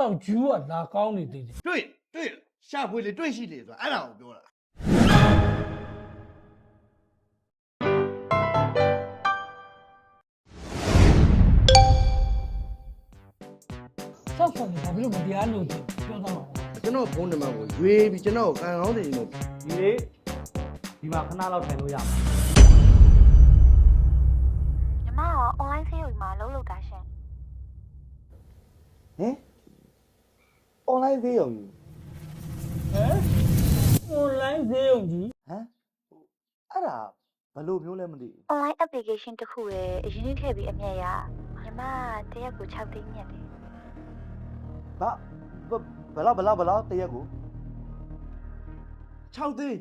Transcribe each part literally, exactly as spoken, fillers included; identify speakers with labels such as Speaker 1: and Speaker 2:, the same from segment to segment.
Speaker 1: စောက်ကျူးကလာကောင်းနေသေးတယ်
Speaker 2: တွေ့တွေ့ရှာဖွေလေတွေ့ရှိလေဆိုတာအဲ့ဒါကိုပြောတာ
Speaker 1: စောက်ဆောင်ဘာဖြစ်လို့မတရားလို့ပြောတော့မှာ
Speaker 2: ကျွန်တော်ဖုန်းနံပါတ်ကိုရွေးပြီးကျွန်တော်ကန်ကောင်းတယ်လို့
Speaker 3: ဒီလေဒီမှာခဏလောက်ထိုင်လို့ရမှာ
Speaker 4: ညီမက online ဆေးရုံမှာလုံးလုပ်တာရှင်
Speaker 2: ဟင် online ဆေးရုံကြီး
Speaker 1: ဟမ် online ဆေးရုံကြီး
Speaker 2: ဟမ်အဲ့ဒါဘယ်လိုမျိုးလဲမသိ
Speaker 4: online application တစ်ခုရဲ့အရင်ထည့်ပြီးအမြတ်ရညီမတရက်ကို၆သိန်းမြတ်တယ်
Speaker 2: ဘာဘယ်လောက်ဘယ်လောက်ဘယ်လောက်တရက်ကို၆သိန်း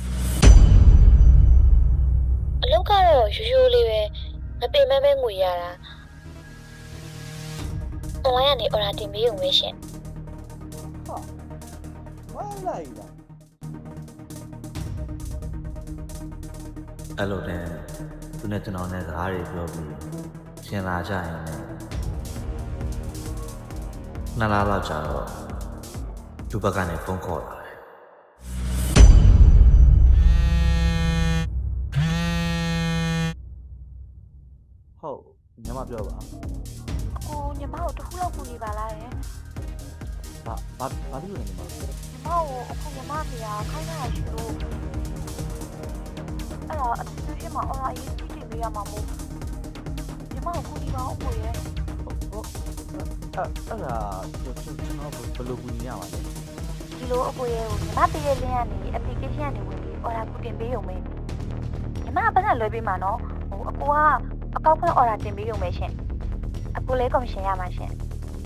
Speaker 4: အလုပ်ကတော့ရိုးရိုးလေးပဲမပင်မမဲငွေရတာ online ကနေ order တင်ပေးရုံပဲရှင်
Speaker 2: ဟာဝမ်းလိုက်လား
Speaker 5: အဲ့လိုနဲ့သူနဲ့ကျွန်တော်နဲ့စကားတွေပြောပြီးရှင်လာကြရင်လည်းနှစ်လလောက်ကြာတော့သူ့ဘက်ကနေဖုန်းခေါ်လာတယ်
Speaker 2: ဟုတ်ညီမပြောပါ
Speaker 4: ကိုညီမကိုတစ်ခုလောက်ကူညီပါလားယင်
Speaker 2: ဘာဘာဘာလို့လဲညီမ
Speaker 4: ညီမကိုအခုညီမဖေကခိုင်းရရှိလို့အဲ့တော့ application မှာ order အရင်ကြည့်တင်ပေးရမှာမို့ညီမကိုကူညီပါဦးကိုရဲ့
Speaker 2: ဟုတ်အဲ့အဲ့ဒါကျွန်တော်ဘယ်လိုကူညီရမှာလဲ
Speaker 4: ဒီလိုအကိုရဲ့ကိုညီမပေးတဲ့ link ကနေ application ကနေဝင်ပြီး order ကူတင်ပေးရုံပဲညီမကပတ်သက်လွှဲပေးမှာနော်ဟိုအကိုကအကောက်ဖွင့် order တင်ပေးရုံပဲရှင်အကိုလည်း commission ရမှာရှင်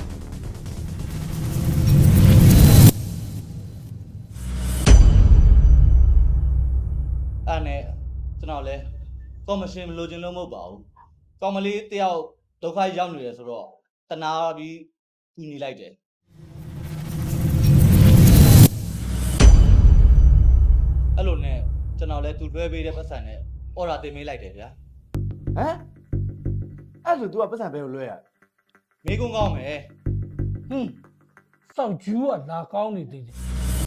Speaker 3: အဲ့နဲ့ကျွန်တော်လည်းကော်မရှင်မလိုချင်လို့မဟုတ်ပါဘူးကောင်မလေးတယောက်ဒုက္ခရောက်နေတယ်ဆိုတော့တနာပြီးကူညီလိုက်တယ်အဲ့လိုနဲ့ကျွန်တော်လည်းသူလွှဲပေးတဲ့ပတ်စံနဲ့ order တင်ပေးလိုက်တယ်ဗျာ
Speaker 2: ဟမ်အဲ့ဆို तू ကပတ်စံဘယ်ကိုလွှဲရ
Speaker 3: မေးကုန်းကောင်းမယ်
Speaker 1: ဟင်းစောက်ကျူးကလာကောင်းနေသေးတယ်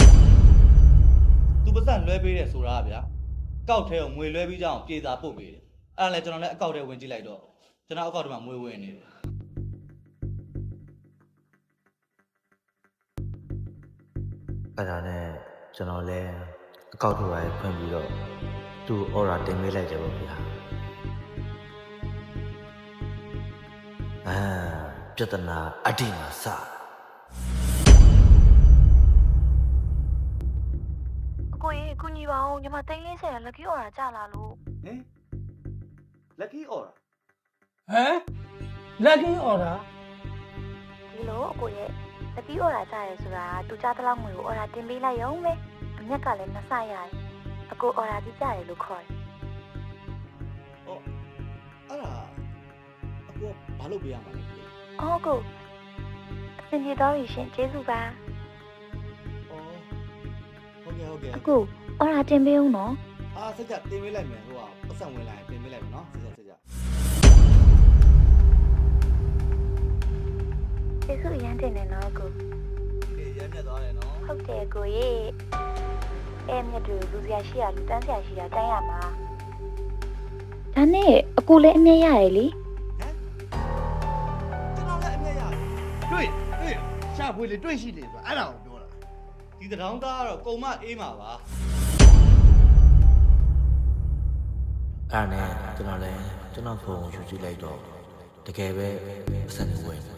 Speaker 3: သူပတ်စံလွှဲပေးတယ်ဆိုတာဗျာကောက်ထဲကိုငွေလွှဲပြီးကြအောင်ပြေစာပို့ပေးတယ်အဲ့ဒါလည်းကျွန်တော်လည်းအကောက်ထဲဝင်ကြည့်လိုက်တော့ကျွန်တော်အကောက်ထဲမှာငွေဝင်နေတယ်
Speaker 5: အဲ့ဒါနဲ့ကျွန်တော်လည်းအကောက်ထုတ်ရိုင်းဖွင့်ပြီးတော့သူ့ order တင်ပေးလိုက်တယ်ပေါ့ဗျာအာပြဿနာအတိမစ
Speaker 4: ကိုကြီးကူညီပါဦးညီမသိန်းလေးဆယ် lucky order ကြလာလို့
Speaker 2: ဟင် lucky order
Speaker 1: ဟမ် lucky order
Speaker 4: ဒီလိုအကိုရဲ့ lucky order ကြရဲဆိုတာသူကြားတဲ့လောက်ငွေကို order တင်ပေးလိုက်ရုံပဲအမြက်ကလည်းနှစ်ဆရတယ်အကို order ပြီးကြတယ်လို့ခေါ်တယ်
Speaker 2: ဟုတ်အဲ့ဒါအကိုဘာလုပ်ပေးရမှာလဲ
Speaker 4: အော်ကိုအင်ဂျီတော်ရှင်ကျေးဇူးပါ
Speaker 2: ဟုတ်ကဲ့ဟုတ်ကဲ့
Speaker 4: အကို order တင်ပေးဦးနော်
Speaker 2: အာစက်ကြတင်ပေးလိုက်မယ်ဟိုကပတ်စံဝင်လာရင်တင်ပေးလိုက်မယ်နော်စက်ကြစက်ကြ
Speaker 4: ကျေးဇူးရမ်းတင်တယ်နော်ကို
Speaker 2: ဒီရမ်းမြတ်သွားတယ်နော်
Speaker 4: ဟုတ်တယ်ကိုရေအဲမြတ်တူလူစရာရှိရလူတန်းစရာရှိတာတိုင်းရမှာဒါနဲ့အကိုလည်းအမြတ်ရတယ်လေ
Speaker 2: ကျွန်တော်လည်းအမြတ်ရတယ်တွေ့တွေ့ရှာဖွေလေတွေ့ရှိလေဆိုတာအဲ့ဒါကိုပြောတာ
Speaker 3: ဒီတံတောင်းသားကတော့ကုံမအေးမှာပါ
Speaker 5: အဲ့နဲ့ကျွန်တော်လည်းကျွန်တော်ဖုန်းယူကြည့်လိုက်တော့တကယ်ပဲအဆက်နေဝင်
Speaker 2: ဟာ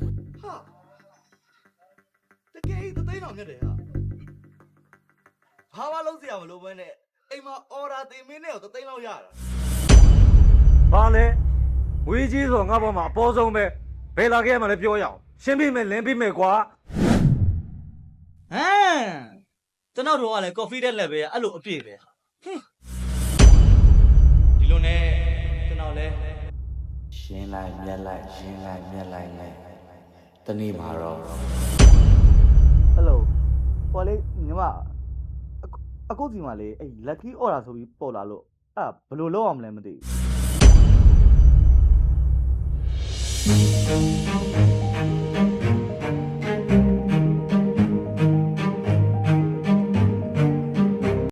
Speaker 2: တကယ်သသိန်းတော်မြတ်တယ်ဟာဘာမှလုံးစရာမလိုဘဲနဲ့အိမ်မှာ order တင်မင်းနဲ့တော့သသိန်းလောက်ရတာ
Speaker 6: ဘာလဲဝေးကြီးဆိုငါ့ဘောမှာအပေါ်ဆုံးပဲဘယ်လာခဲ့မှလည်းပြောရအောင်ရှင်းပြမယ်လင်းပြမယ်ကွာ
Speaker 3: ဟမ်ကျွန်တော်တို့ကလည်း coffee တဲ့လက်ပဲအဲ့လိုအပြည့်ပဲဟင်းဒီလိုနဲ့ကျွန်တော်လည်း
Speaker 5: ရှင်းလိုက်မြက်လိုက်ရှင်းလိုက်မြက်လိုက်နဲ့တနေ့မှာတော့
Speaker 2: ဟယ်လိုဟိုလေညီမအကုတ်စီမှာလေအဲ့ lucky order ဆိုပြီးပေါ်လာလို့အဲ့ဘယ်လိုလုပ်အောင်မလဲမသိဘူး